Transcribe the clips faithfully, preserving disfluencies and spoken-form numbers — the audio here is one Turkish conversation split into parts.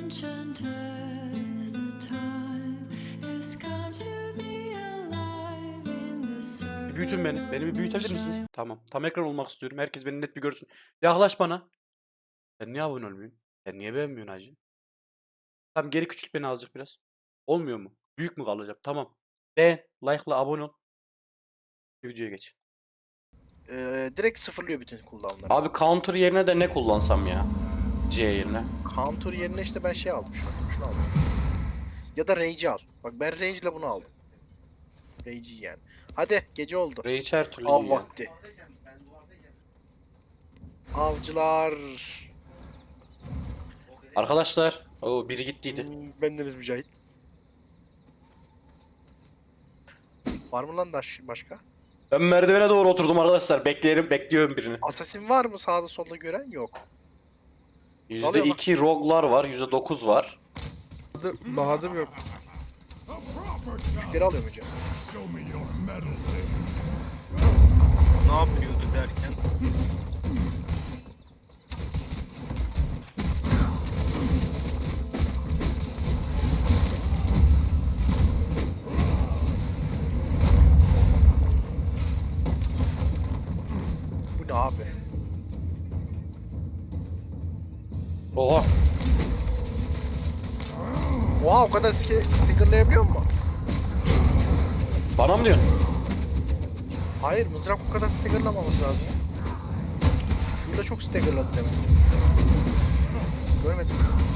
enchant us. The time has come to be alive in the circle. Büyütün beni. Beni bir büyütebilir misiniz? Tamam. Tam ekran olmak istiyorum. Herkes beni net bir görsün. Yaklaş bana. Sen niye abone olmuyorsun? Sen niye beğenmiyorsun hacı? Tamam, geri küçült beni azıcık biraz. Olmuyor mu? Büyük mü kalacağım? Tamam. Beğen, like'la abone ol. Videoya geç. Ee, direkt sıfırlıyor bütün cooldown'ları. Abi counter yerine de ne kullansam ya? C yerine. Counter yerine işte ben şey aldım şu an. Şunu aldım. Ya da Rage'i al. Bak ben Rage'le bunu aldım. Rage'i yani. Hadi gece oldu. Rage her türlü Av iyi ya. vakti. Avcılar. Arkadaşlar. O biri gittiydi. Hmm, bendeniz Mücahit. Var mı lan daş başka? Ben merdivene doğru oturdum arkadaşlar. Bekleyelim, bekliyorum birini. Assassin var mı sağda solda gören? Yok. yüzde iki rogue'lar var, yüzde dokuz var. Bahadır, Bahadır yok. Müşteri alıyor Mücahit. Ne yapıyordu derken? Bu ne abi? Oha. Oha o kadar sti- stickerlayabiliyor mu? Bana mı diyorsun? Hayır mızrak o kadar stickerlamaması lazım. Burada çok stickerladı demek. Görmedim.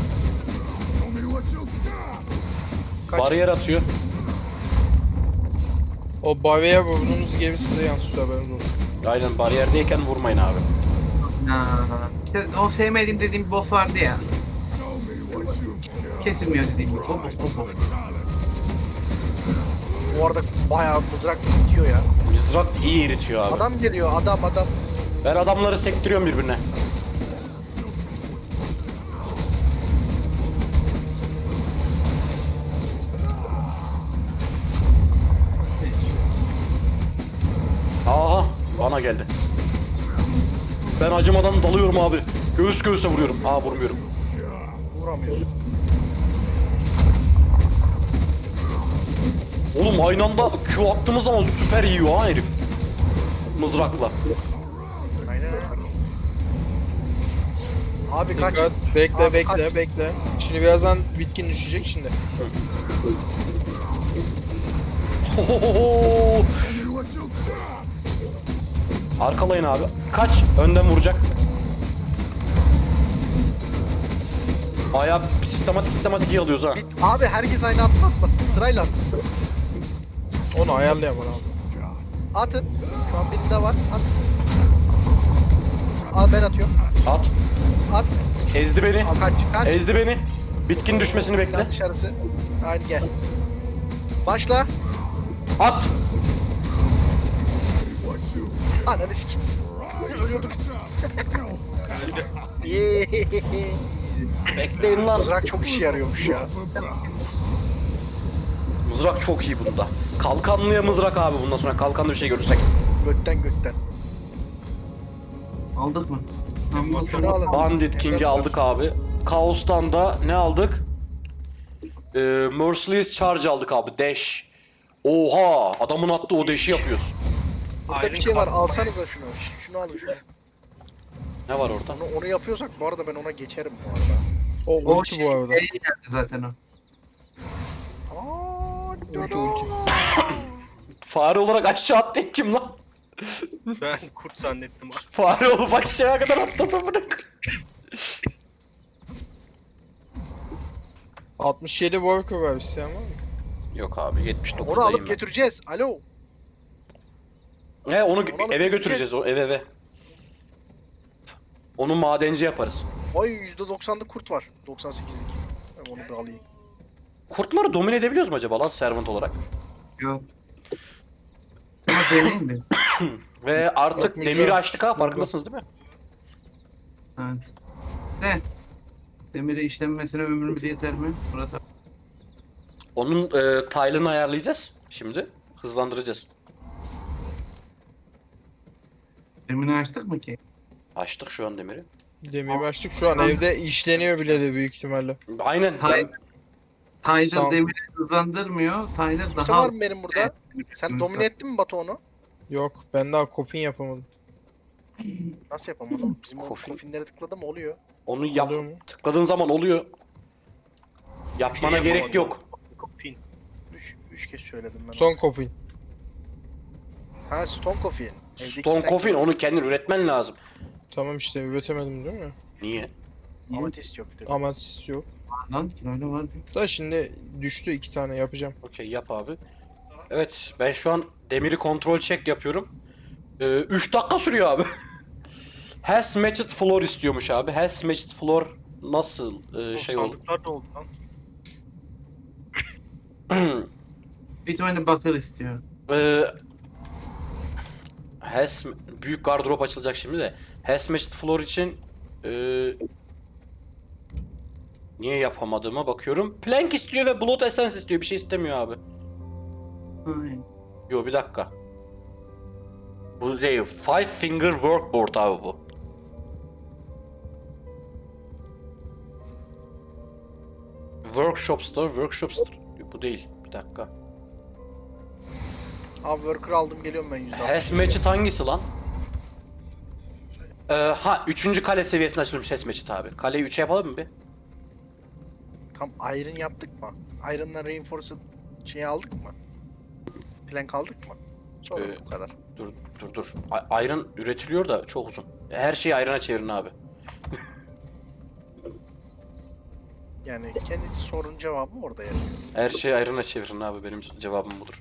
Kaç? Bariyer atıyor. O Bavya vurduğunuz gemi size yansıtıyor haberiniz olsun. Aynen, bariyerdeyken vurmayın abi. Ha, işte o sevmediğim dediğim bir boss vardı ya. Kesilmiyor dediğim bir boss. O boss, o boss. Bu arada bayağı mızrak bitiyor ya. Mızrak iyi eritiyor abi. Adam geliyor adam adam. Ben adamları sektiriyorum birbirine. Aha, bana geldi. Ben acımadan dalıyorum abi. Göğüs göğüse vuruyorum. Aa, vurmuyorum. Vuramıyor. Oğlum aynı anda Q attığımız zaman süper yiyor ha herif. Mızrakla. Aynen öyle. Abi kaç. Dikkat, bekle Abi bekle kaç. bekle. Şimdi birazdan bitkin düşecek şimdi. Hohoho! Arkalayın abi. Kaç. Önden vuracak. Bayağı sistematik sistematik iyi alıyoruz ha. Bit- Abi herkes aynı atma atmasın. Sırayla at. Onu ayarlayamam abi. Atın. Şu an birinde var. At. Al ben atıyorum. At. At. Ezdi beni. Al kaç. Kaç. Ezdi beni. Bitkin düşmesini bekle. Lan dışarısı. Aynı gel. Başla. At. Ananı sikim. Ölüyorduk. Yeeeey. Bekleyin lan. Mızrak çok işe yarıyormuş ya. Mızrak çok iyi bunda. Kalkanlıya mızrak abi bundan sonra. Kalkanlı bir şey görürsek. Götten götten. Aldık mı? Tamam, Şunu alın. Bandit King'i aldık abi. Kaos'tan da ne aldık? Ee, Merciless Charge aldık abi. Dash. Oha! Adamın attığı o dash'i yapıyoruz. Burada bir şey var. Alsanıza şunu. Şunu alın şunu. Ne var orada? Onu, onu yapıyorsak bu arada ben ona geçerim bu arada. O O ulti şey, bu arada. nereye geldi zaten o. Aa, Ulti ulti. Fare olarak aşağı attı kim lan? Ben kurt zannettim abi. Fare olup aşağıya kadar atladı bırak. altmış yedi worker var isteyen var mı? Yok abi, yetmiş Onu dokuzdayım alıp ben. götüreceğiz. Alo. He, onu Onu alıp eve götüreceğiz, o eve eve. Onu madenci yaparız. Ay yüzde doksanlık kurt var. doksan sekizlik. Ben onu bir alayım. Kurtları domine edebiliyoruz mu acaba lan servant olarak? Yok. Ama deneyim mi? Ve artık Bakmayacağım. demiri açtık ha, farkındasınız değil mi? Evet. De. Demiri işlenmesine ömrümüz yeter mi? Murat abi. Onun e, tile'ını ayarlayacağız şimdi. Hızlandıracağız. Demiri açtık mı ki? Açtık şu an demiri. Demeye başladık. Şu an evde işleniyor bile de büyük ihtimalle. Aynen. Hayır. Ben, Tyler Sağ- demiri hızlandırmıyor. Tyler Kimse daha... var mı benim burada? Sen domine ettin mi Batu onu? Yok ben daha kopin yapamadım. Nasıl yapamadım? Bizim o Kofin. kofinlere tıkladım oluyor. onu yap. Oluyor mu? Tıkladığın zaman oluyor. Yapmana Şey gerek yapamadım. yok. Fin. Üç, üç kez söyledim ben. Son onu. kopin. Ha Stone Coffee. Evdeki Stone sen- Coffin onu kendin üretmen lazım. Tamam işte üretemedim değil mi? Niye? Amatist yok dedi. Amat yok. Lan kiloyla var. Da şimdi düştü iki tane yapacağım. Okey yap abi. Evet ben şu an demiri kontrol check yapıyorum. üç dakika sürüyor abi. Has matched floor istiyormuş abi. Has matched floor nasıl e, O şey oldu? sandıklar da oldu lan. Bir tane bakır istiyor. e, has büyük gardırop açılacak şimdi de. Has matched floor için e, niye yapamadığıma bakıyorum. Plank istiyor ve blood essence istiyor. Bir şey istemiyor abi. Aynen. Yo bir dakika. Bu değil. Five finger workboard abi bu. Workshop store, workshop store. Bu değil. Bir dakika. Abi worker aldım geliyorum ben yüzde altmış. Has matched hangisi lan? Ee, ha üçüncü kale seviyesinde açılmış Has matched abi. Kaleyi üçe yapalım mı bir? Tam iron yaptık mı? Iron'la reinforced şeyi aldık mı? Plank aldık mı? Sonra Ee, bu kadar. Dur dur dur. A- Iron üretiliyor da çok uzun. Her şeyi iron'a çevirin abi. Yani kendi sorunun cevabı orada yani. Her şeyi iron'a çevirin abi. Benim cevabım budur.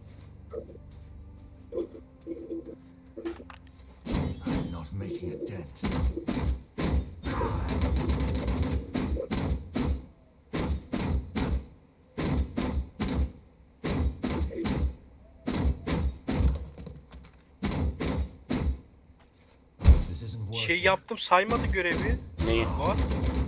I'm not making a dent. This isn't working. Şey yaptım saymadı görevi. Neyi? Var.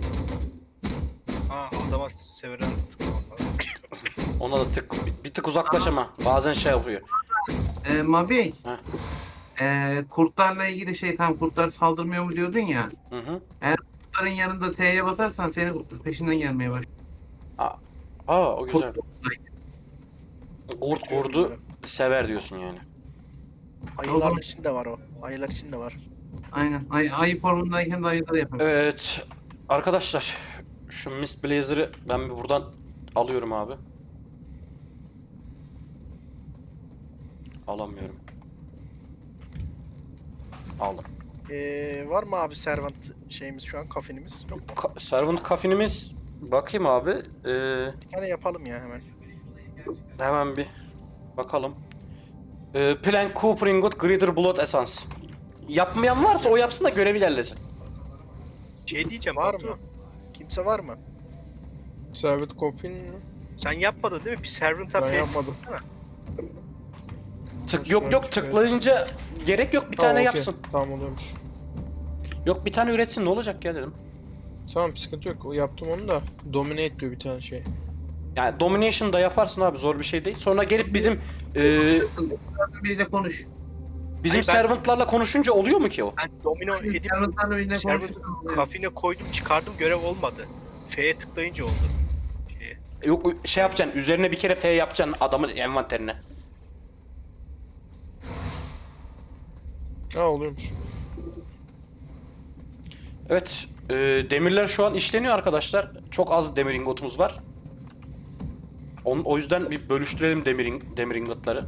Ha adama severen tıklamam lazım. Ona da tık bir, bir tık uzaklaş ama bazen şey yapıyor. Ee, Mabi. Heh. Ee, kurtlarla ilgili şey tam kurtlar saldırmıyor mu diyordun ya. Hı hı. Kurtların yanında T'ye basarsan seni kurtlar peşinden gelmeye başlıyor. Aa o güzel. Kurt- Kurt kurdu sever diyorsun yani. Ayılar için de var o. Ayılar için de var. Aynen. Ay, ayı formundayken de ayıları yapıyor. Evet arkadaşlar şu Mist Blazer'ı ben bir buradan alıyorum abi. Alamıyorum. Aldım. Ee, var mı abi servant şeyimiz şu an kafinimiz? Yok mu? Ka- Servant kafinimiz bakayım abi. Ee, Bir tane yapalım ya hemen. hemen bir bakalım. Ee, Plank, Cooper Ingot, Greater Blood Essence. Yapmayan varsa o yapsın da görev ilerlesin. Şey diyeceğim Var Batu, mı? Kimse var mı? Servet kopin mi? sen yapmadın değil mi? Bir servant'a Ben şey yapmadım. Tık yok yok tıklayınca gerek yok bir Tamam, tane okey. yapsın. Tamam oluyormuş. Yok bir tane üretsin ne olacak ya dedim. Tamam sıkıntı yok. O yaptım onu da. Dominate diyor bir tane şey. Yani Domination da yaparsın abi zor bir şey değil. Sonra gelip bizim e, Biriyle konuş. bizim Hayır, ben- servantlarla konuşunca oluyor mu ki o? Ben domino edip Servantlarla biriyle servant konuşursan oluyor. kafine koydum çıkardım görev olmadı. F'ye tıklayınca oldu. Şeye. Yok şey yapacaksın üzerine bir kere F yapacaksın adamın envanterine. Ha oluyormuş. Evet e, demirler şu an işleniyor arkadaşlar. Çok az demir ingotumuz var. Onun, o yüzden bir bölüştürelim demir, in- demir ingotları.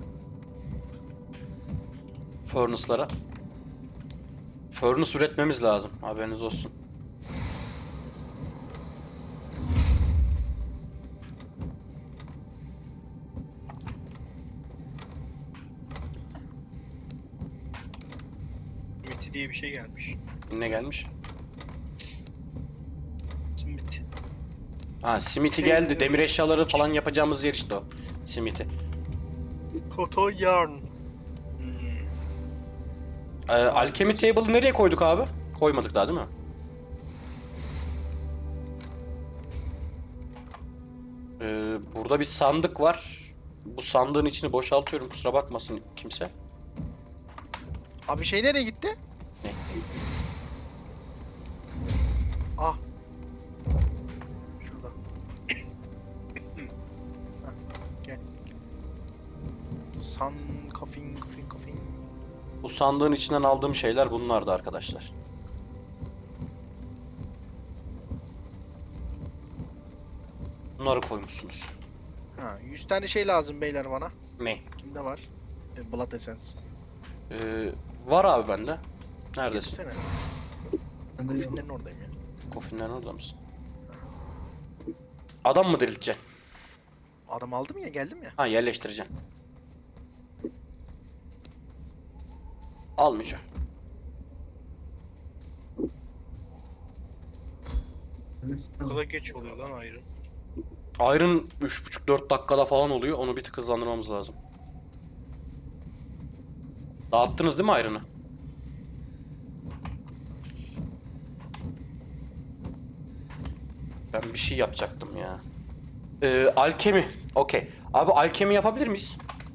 Furnace'lara. Furnace üretmemiz lazım haberiniz olsun. Smith diye bir şey gelmiş. Ne gelmiş? Smith. Ha Smithy geldi. Demir eşyaları falan yapacağımız yer işte o. Smithy. Koto yarn. Hmm. Ee, Alchemy Table'ı nereye koyduk abi? Koymadık daha değil mi? Ee, burada bir sandık var. Bu sandığın içini boşaltıyorum kusura bakmasın kimse. Abi şey nereye gitti? Ne? San kafin kafin kafin. Bu sandığın içinden aldığım şeyler bunlardı arkadaşlar. Bunları koymuşsunuz. Ha, yüz tane şey lazım beyler bana. Ne? Kimde var? E, Blood Essence. Ee, var abi bende. Neredesin? Getirsene. Ben de yok. Filmlerin oradayım ya. Kofinlerin orada mısın? Adam mı dirilteceksin? Adam aldım ya, geldim ya. Ha, yerleştireceksin. Almayacağım. Bu kadar geç oluyor lan ayrı. Iron üç buçuk dört dakikada falan oluyor. Onu bir tık hızlandırmamız lazım. Dağıttınız değil mi Iron'ı? Ben bir şey yapacaktım ya. Ee, alkemi. Okey. Abi alkemi yapabilir miyiz?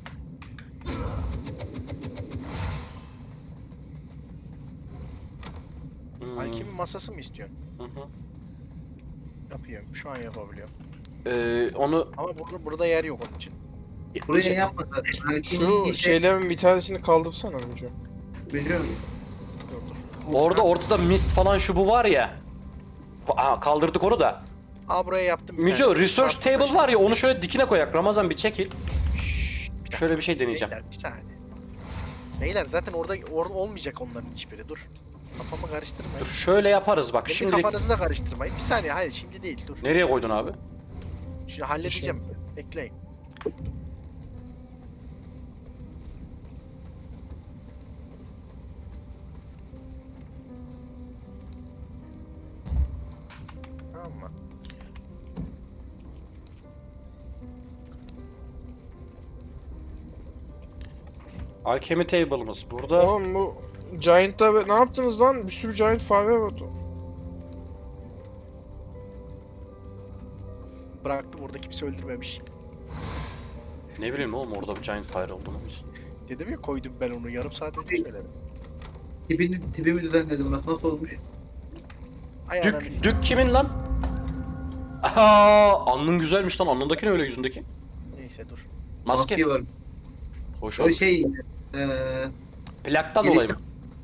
Hmm, Alkemi masası mı istiyorsun? hı hı. Yapıyorum. Şu an yapabiliyorum. Ee, onu Ama burada, burada yer yok onun için. Buraya yapma zaten. Hani Şu şimdi şey şeylerin bir tanesini kaldırsana Müco. biliyorum. Dur dur. orada ortada mist falan şu bu var ya. Aa, kaldırdık onu da. Aa, buraya yaptım. bir Müco tane. research Yaptım table başına. var ya, onu şöyle dikine koyak. Ramazan bir çekil. Şöyle bir şey deneyeceğim. Beyler bir saniye. Beyler zaten orada or olmayacak onların hiçbiri. Dur. Kafamı karıştırmayın. Dur şöyle yaparız bak. Kendi Şimdilik kafanızı da karıştırmayın. Bir saniye, hayır şimdi değil, dur. nereye koydun abi? Şimdi halledeceğim. Bekleyin. Tamam mı? Alchemy table'ımız burada. Oğlum bu Giant'ta be- ne yaptınız lan? Bir sürü Giant fare vardı. Bıraktım, orada kimse öldürmemiş. Ne bileyim oğlum, orada bir giant fire olduğunu biz. Dedim ya, koydum ben onu, yarım saat önce söyledim. Tipini, tipimi düzenledim bak nasıl olmuş. Ay ananı Dük, dük kimin lan? Aha, alnın güzelmiş lan. Alnındaki ne öyle, yüzündeki? Neyse dur. Maske. var. Hoş O olmuş. şey eee Plaktan Girişim- dolayı mı?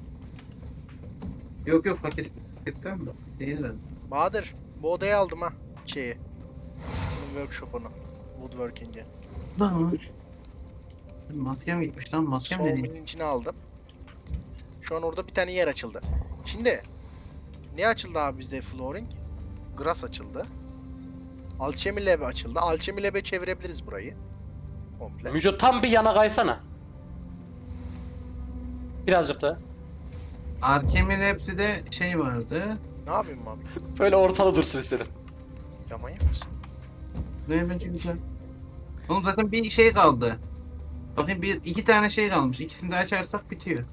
yok yok paket paketten mi? Değil ben. Bahadır, bu odayı aldım ha. Şeyi. Bunun workshop'unu. Woodworking'i. Lan. Maskem gitmiş lan maskem ne değil. Soğumunun içine aldım. Şu an orada bir tane yer açıldı. Şimdi ne açıldı abi bizde flooring? Grass açıldı. Alchemy Lab açıldı. Alchemy Lab'e çevirebiliriz burayı. Komple. Müco tam bir yana kaysana. Birazcık da. Arkemin hepsi de şey vardı. Ne yapayım abi? Böyle ortalı dursun istedim. Ya manyak mısın? Ne bence güzel. Oğlum zaten bir şey kaldı. Bakayım bir iki tane şey kalmış. İkisini de açarsak bitiyor.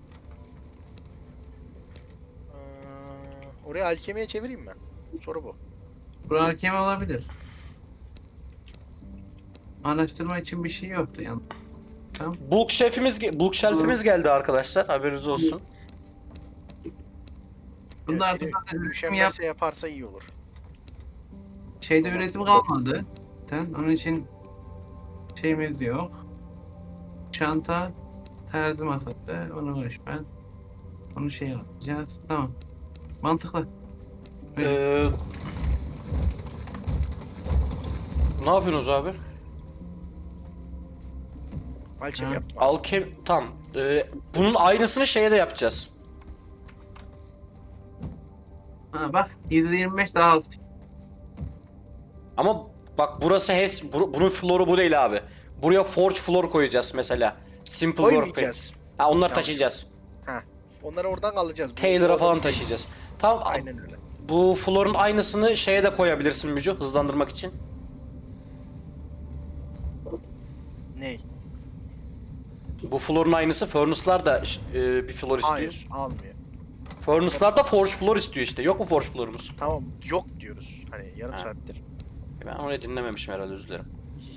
Ee, oraya alkemiye çevireyim mi? Soru bu. Bu arkemi olabilir. Araştırma için bir şey yoktu yani. Bulk şefimiz, ge- bulk shelf'imiz geldi arkadaşlar. Haberiniz olsun. Bunda Evet, artık biri zaten üretim yap, Üşenmezse yaparsa iyi olur. şeyde üretim kalmadı. Zaten onun için şeyimiz yok. Çanta, terzi masası, onu boş ben. Onu şey yapacağız. Tamam. Mantıklı. Ee, ne yapıyorsunuz abi? Alchemy Ha. yaptım. Alkem tam. Ee, bunun aynısını şeye de yapacağız. Ha bak yüzde yirmi beş daha az. Ama bak burası hes bu- bunun floor'u bu değil abi. Buraya forge floor koyacağız mesela. Simple workbench. Koymayacağız. Ha, onları Tamam. taşıyacağız. Onları oradan alacağız. Bu- Taylor'a bu- falan taşıyacağız. Tamam. Aynen öyle. Bu floor'un aynısını şeye de koyabilirsin Müco, hızlandırmak için. Ney? Bu floor'un aynısı furnace'lar da e, bir floor istiyor. Hayır, almıyor. Furnace'lar da forge floor istiyor işte. Yok mu forge floor'umuz? Tamam, yok diyoruz. Hani yarım Ha. saattir. Ben onu dinlememişim herhalde, özür dilerim.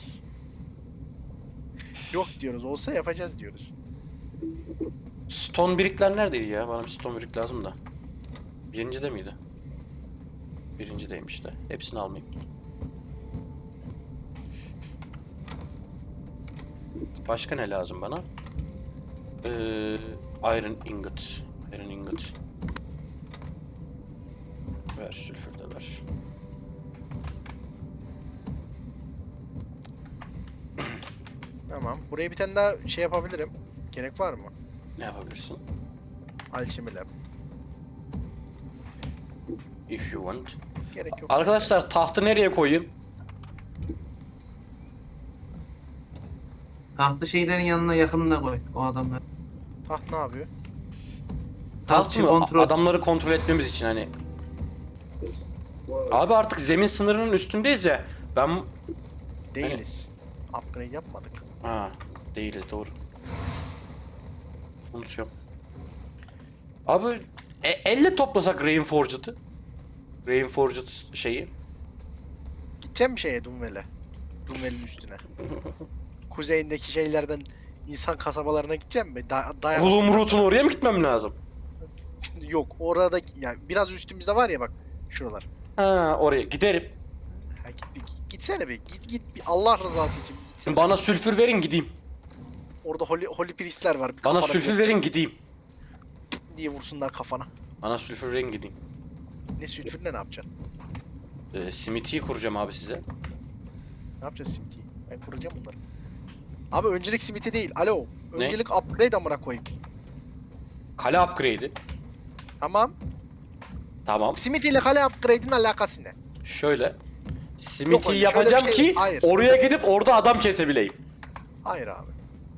Yok diyoruz. Olsa yapacağız diyoruz. Stone brickler neredeydi ya? Bana bir stone brick lazım da. Birinci de miydi? Birincideymiş de. Hepsini almayayım. Başka ne lazım bana? Ee, iron ingot. Iron ingot. Ver, sülfür de ver. Tamam. Buraya bir tane daha şey yapabilirim. Gerek var mı? Ne yapabilirsin? Alchemy Lab. If you want. Gerek yok. Arkadaşlar tahtı nereye koyayım? Tahtlı şeylerin yanına yakınına koy o adamlar. Taht ne yapıyor? Taht Tahtçı mı? kontrol. Adamları kontrol etmemiz için hani. Abi artık zemin sınırının üstündeyiz ya. Ben... Değiliz. Upgrade yapmadık. Ha, değiliz doğru. Unutuyorum. Abi e, elle toplasak Rainforged'ı. Rainforged şeyi. Gideceğim bir şeye Dunwell'e. Dunwell'in üstüne. Kuzeyindeki şeylerden insan kasabalarına gideceğim mi? Da dayan. Hulumrut'un oraya mı gitmem lazım? Yok orada yani biraz üstümüzde var ya bak şuralar. Ha, oraya giderim. Ha, git, bir, gitsene bir git git bir Allah rızası için bir gitsene. Bana sülfür verin gideyim. Orada holy, holy priestler var. Bir Bana kafana sülfür bir- verin gideyim. diye vursunlar kafana. Bana sülfür verin gideyim. Ne sülfürle ne yapacaksın? Ee, Smithy'yi kuracağım abi size. Ne yapacağız Smithy'yi? Ben kuracağım bunları. Abi öncelik Smithy değil. Alo. Ne? Öncelik upgrade amına koyayım. Kale upgrade'i. Tamam. Tamam. Smithy ile kale upgrade'in alakası ne? Şöyle. Smithy'yi öyle, yapacağım şöyle bir şey- ki hayır. oraya gidip orada adam kesebileyim. Hayır abi.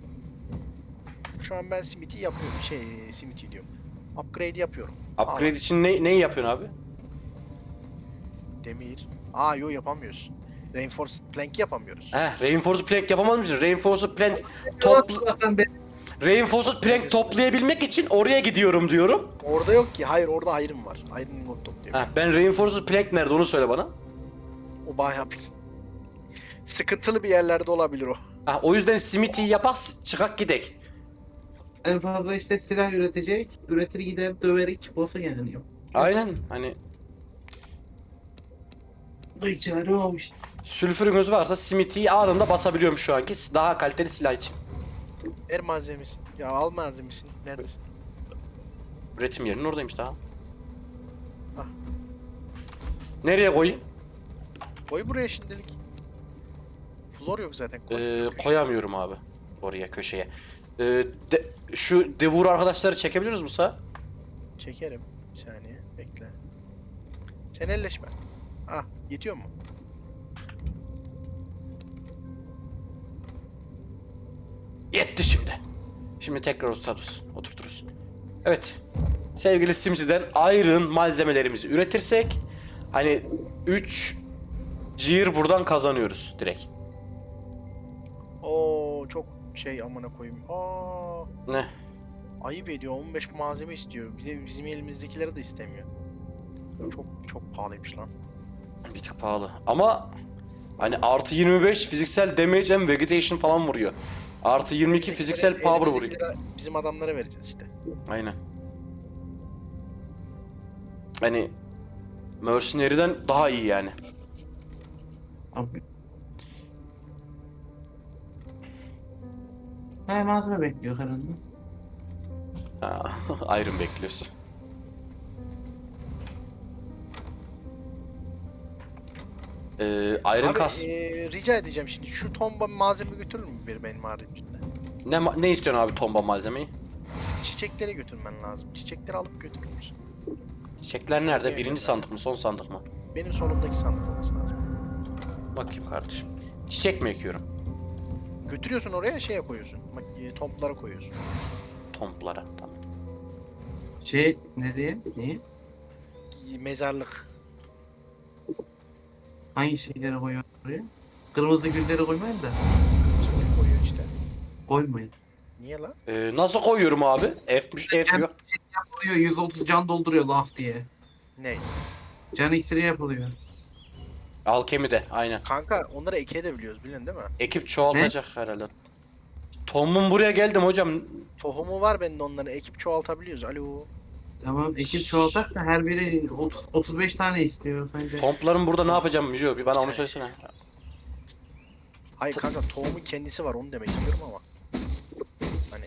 Şu an ben Smithy yapıyorum. Şey Smithy diyorum. Upgrade yapıyorum. Upgrade Aa, için ne, neyi yapıyorsun abi? demir. Aa yo yapamıyoruz. Reinforced plank yapamıyoruz. Heh, Reinforced Plank yapamaz mısın? Reinforced Plank topl Zaten ben Reinforced Plank toplayabilmek için oraya gidiyorum diyorum. Orada yok ki. Hayır orada iron var. Iron ingot topluyor. Heh, ben Reinforced Plank nerede onu söyle bana. O bayağı bir sıkıntılı bir yerlerde olabilir o. Ha, o yüzden Smithy'yi yapak çıkak gidek. en fazla işte silah üretecek. Üretir gider döverik boss'a yani yok. Aynen hani Bu içeri olmuş. sülfürünüz varsa Smithy'yi anında basabiliyorum şu anki daha kaliteli silah için. Ver malzemesi. Ya al malzemesini. Neredesin? Üretim yerinin oradaymış daha. Ah. Nereye koyayım? Koy buraya şimdilik. Flor yok zaten. Koy. Ee, koyamıyorum abi oraya köşeye. Ee, de- şu devur arkadaşları çekebiliyoruz mu sağ? Çekerim. Bir saniye. Bekle. Sen elleşme. Ah yetiyor mu? Yetti şimdi. Şimdi tekrar oturturuz. Oturturuz. Evet. Sevgili Simci'den Iron malzemelerimizi üretirsek hani üç cihir buradan kazanıyoruz direkt. Oo çok şey amına koyayım. Aa Ne? ayıp ediyor. on beş malzeme istiyor. Bir de bizim elimizdekileri de istemiyor. Çok çok pahalıymış lan. Bir tık pahalı. Ama hani artı yirmi beş fiziksel damage and vegetation falan vuruyor. Artı yirmi iki fiziksel power vuruyor. Elimizdekileri bizim adamlara vereceğiz işte. Aynen. Hani Mercenary'den daha iyi yani. Abi. Ha malzeme bekliyor herhalde. Ha, Iron bekliyorsun. Ee, Iron Abi kas. eee, rica edeceğim şimdi şu tomba malzeme götürür mü bir benim haricimde? Ne ma- ne istiyorsun abi tomba malzemeyi? Çiçekleri götürmen lazım. Çiçekleri alıp götürür müsün? Çiçekler nerede? Evet, Birinci evet. sandık mı? Son sandık mı? Benim solumdaki sandık olması lazım. Bakayım kardeşim. Çiçek mi ekiyorum? Götürüyorsun oraya şeye koyuyorsun. Bak e, tomplara koyuyorsun. Tomplara. Tamam. Şey ne diyeyim? Neyi? E, Mezarlık. Hangi şeyleri koyuyor oraya? Kırmızı gülleri koymayın da. Kırmızı koyuyor işte. Koymayın. Niye lan? Ee, nasıl koyuyorum abi? F, F yok. Yapılıyor yüz otuz can dolduruyor laf diye. Ne? Can iksiri yapılıyor. Alkemi de aynen. Kanka onları eke edebiliyoruz biliyorsun değil mi? Ekip çoğaltacak herhalde. Tom'un buraya geldim hocam. Tohumu var bende onların. Ekip çoğaltabiliyoruz. Alo. Tamam ekip çoğaltak da her biri otuz otuz beş tane istiyor sence. Tompların burada ne yapacağım Müjo? Bir bana onu söylesene. Hayır kanka tohumun kendisi var onu demek istiyorum ama. Hani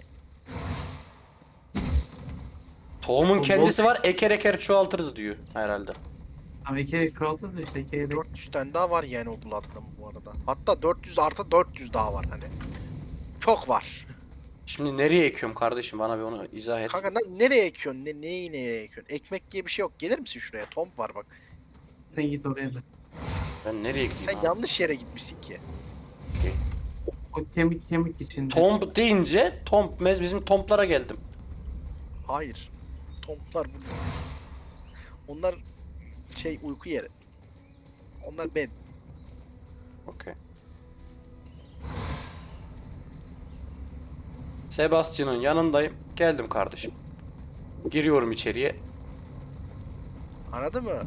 Tohumun Bu- kendisi var, eker eker çoğaltırız diyor herhalde. Ama iki kere çoğaltır da işte iki kere. dört yüz tane daha var yani o Blood'da bu arada. Hatta dört yüz artı dört yüz daha var hani. Çok var. Şimdi nereye ekiyorum kardeşim? Bana bir onu izah et. Kanka ne- nereye ekiyorsun? Ne, neyi nereye ekiyorsun? Ekmek diye bir şey yok. Gelir misin şuraya? Tomb var bak. Sen git oraya da. Ben nereye gideyim Sen abi? yanlış yere gitmişsin ki. O kemik kemik içinde. Tomb deyince Tomb mez bizim Tomb'lara geldim. Hayır. Tomblar burada. Onlar şey uyku yeri. Onlar bed. Okey. Sebastian'ın yanındayım. Geldim kardeşim. Giriyorum içeriye. Anladın mı?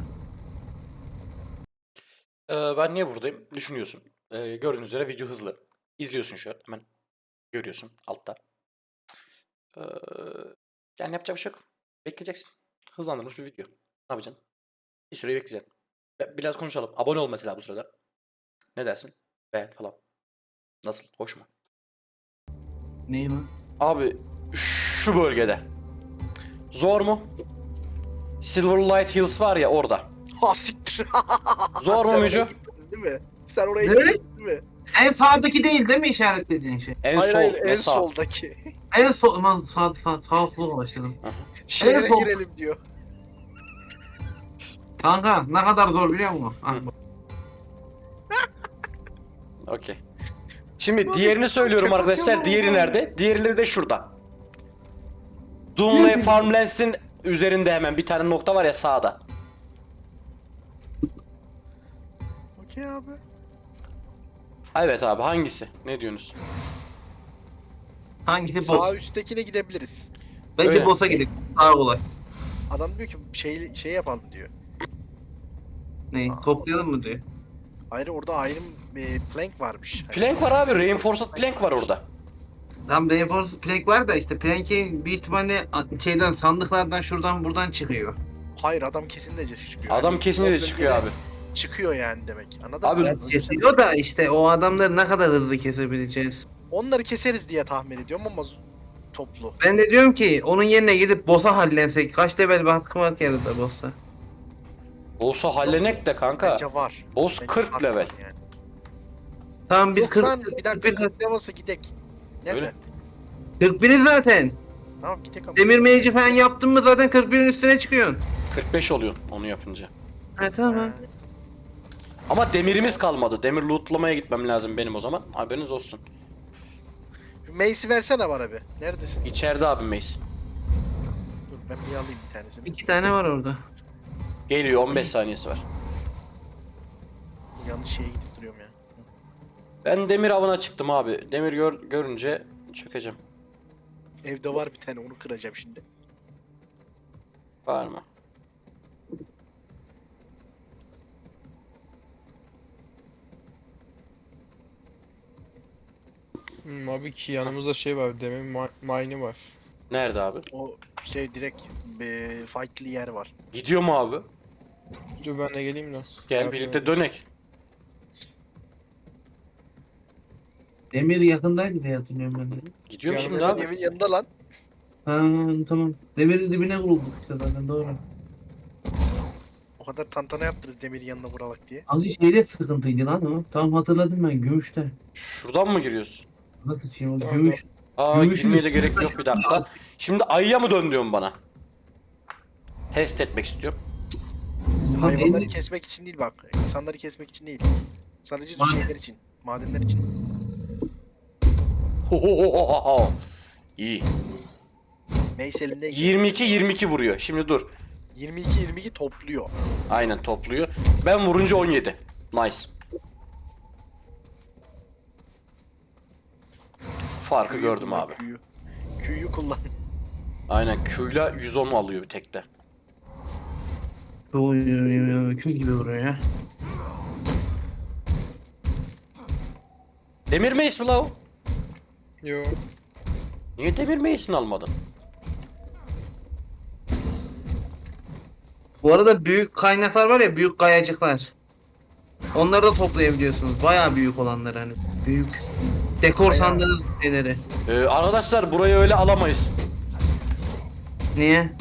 Ee, ben niye buradayım? Düşünüyorsun. Ee, gördüğünüz üzere video hızlı. İzliyorsun şu an. Hemen görüyorsun altta. Ee, yani yapacak bir şey yok. Bekleyeceksin. Hızlandırılmış bir video. Ne yapacaksın? Bir süre bekleyeceksin. Ve biraz konuşalım. Abone ol mesela bu sırada. Ne dersin? Beğen falan. Nasıl? Hoş mu? Neyi lan? Abi şu bölgede. Zor mu? Silverlight Hills var ya orada. Ha siktir. Zor mu Sen oraya Mücü? gitmedin değil mi? Sen oraya Ne? gitmedin değil mi? En sağdaki değil değil mi işaretlediğin şey? En hayır sol hayır ve en sağ. soldaki. En sol, aman sağ sağ sağ sola başladım. Şehre sol. girelim diyor. Kanka ne kadar zor biliyor musun? Ah, Hı. Okey. Şimdi diğerini söylüyorum arkadaşlar. Diğeri nerede? Diğerleri de şurada. Dunley Farmlands'in üzerinde hemen bir tane nokta var ya sağda. Okey abi. Evet abi hangisi? Ne diyorsunuz? hangisi Sağ boss? üsttekine gidebiliriz. Bence Öyle. boss'a gidelim. Daha kolay. Adam diyor ki şey şey yapalım diyor. Ne? Toplayalım mı diyor. Hayır orada ayrı e, plank varmış. Hani Plank var abi. Reinforced plank var orada. Tam Reinforced Plank var da işte Plank'i büyük ihtimalle şeyden sandıklardan şuradan buradan çıkıyor. Hayır adam kesin de çıkıyor. Adam Yani kesinlikle o çıkıyor abi. bölgede Çıkıyor yani demek. Anladın Abi- mı? Kesiyor da işte o adamları ne kadar hızlı kesebileceğiz. Onları keseriz diye tahmin ediyorum ama z- toplu. Ben de diyorum ki onun yerine gidip boss'a hallensek. Kaç level bir hakkım var ki arada boss'a. Olsa hallenek de kanka. Bence var. Boss Bence kırk var level. Yani. Tamam biz Yok kırk, lan bir dakika kırk level'sa gidek. Nerede? Öyle. kırk biriz zaten. Tamam gidek ama. Demir meyci falan yaptın mı zaten kırk birin üstüne çıkıyorsun. kırk beş oluyor onu yapınca. Ha tamam. Ha, Ama demirimiz kalmadı. Demir lootlamaya gitmem lazım benim o zaman. Haberiniz olsun. Şu Mace'i versene bana bir. Neredesin? İçeride abi Mace. Dur ben bir alayım bir tanesini. İki tane var orada. Geliyor on beş saniyesi var. Yanlış şeye gidip duruyorum ya. Ben demir avına çıktım abi. Demir gör, görünce çökeceğim. Evde var bir tane onu kıracağım şimdi. Var mı? Hmm, abi ki yanımızda şey var. Demin ma- mine'i var. Nerede abi? O şey direkt e, fight'li yer var. Gidiyor mu abi? Dur ben de geleyim de. Gel Abi, birlikte dönek. Demir yakındaydı diye hatırlıyorum ben de. Gidiyorum Yani şimdi Hemen abi. evin yanında lan. Ha tamam. Demirin dibine vurulduk işte zaten doğru. O kadar tantana yaptınız demirin yanına vuralak diye. Azıcık şeyde sıkıntıydı lan o. Tamam hatırladım ben gümüşte. Şuradan mı giriyorsun? Nasıl şey o Tamam, gümüş. Aa Gümüşün girmeye de üstünde gerek yok bir dakika. Şimdi ayıya mı dön diyorsun bana? Test etmek istiyorum. Tamam, Hayvanları elli- kesmek için değil bak. İnsanları kesmek için değil. Sadece Maden. şeyler için. Madenler için. Hohohohoho. İyi. Mace elinde yirmi iki yirmi iki vuruyor. Şimdi dur. yirmi iki yirmi iki topluyor. Aynen topluyor. Ben vurunca on yedi. Nice. Farkı Q'yu gördüm kullan, abi. Q'yu. Q'yu kullan. Aynen Q'yla yüz on alıyor bir tekte. Oy, oy, oy, oy, kül gibi vuruyor ya. Demir Mace mi la o? Yo. Niye Demir Mace'ini almadın? Bu arada büyük kaynaklar var ya büyük kayacıklar. Onları da toplayabiliyorsunuz. Bayağı büyük olanları hani. Büyük. Dekor Bayağı. sandığınız şeyleri. Ee, arkadaşlar burayı öyle alamayız. Niye?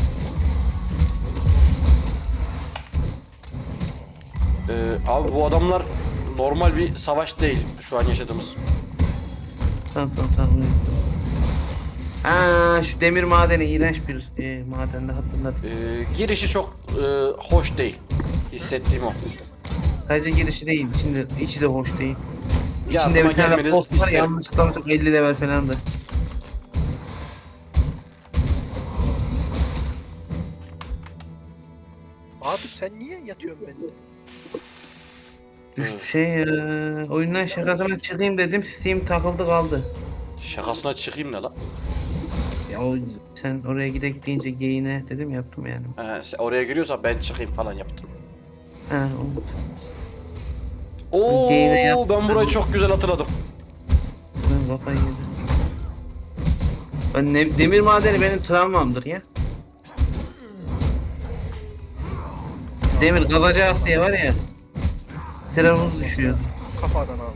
Ee, abi bu adamlar normal bir savaş değil şu an yaşadığımız. Tamam tamam tamam. Ha şu demir madeni iğrenç bir e, madende hatırladım. Ee, girişi çok e, hoş değil. Hissettiğim o. Sadece girişi değil, içinde içi de hoş değil. Ya İçinde buna bir tane gelmeniz post var, isterim. yanlışlıkla unuttum, elli level falandı. Abi sen niye yatıyorsun benimle? Düştü şey ya. Oyundan şakasına çıkayım dedim, Steam takıldı kaldı. Şakasına çıkayım ne lan? Ya o sen oraya gidek deyince geyine dedim yaptım yani. He, sen oraya giriyorsan ben çıkayım falan yaptım. Ha, o- Oo Geyine yaptım. ben burayı çok güzel hatırladım. ben kafayı yedim. Ben ne, demir madeni benim travmamdır ya. Demir kazacak diye var ya. Travmamız düşüyor. Kafadan abi.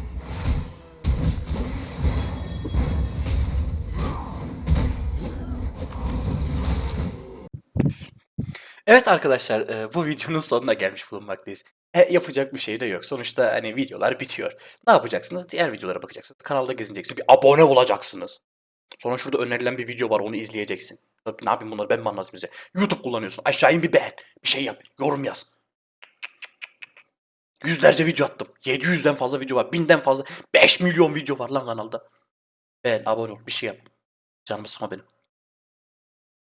Evet arkadaşlar, e, bu videonun sonuna gelmiş bulunmaktayız. E, yapacak bir şey de yok. Sonuçta hani videolar bitiyor. Ne yapacaksınız? Diğer videolara bakacaksınız. Kanalda gezineceksiniz. Bir abone olacaksınız. Sonra şurada önerilen bir video var, onu izleyeceksin. Ne yapayım bunları, ben mi anlatayım size? YouTube kullanıyorsun. Aşağı in bir beğen. Bir şey yap. Yorum yaz. Yüzlerce video attım. yedi yüzden fazla video var. Binden fazla. beş milyon video var lan kanalda. Beğen, abone ol. Bir şey yap. Canımı sıkma benim.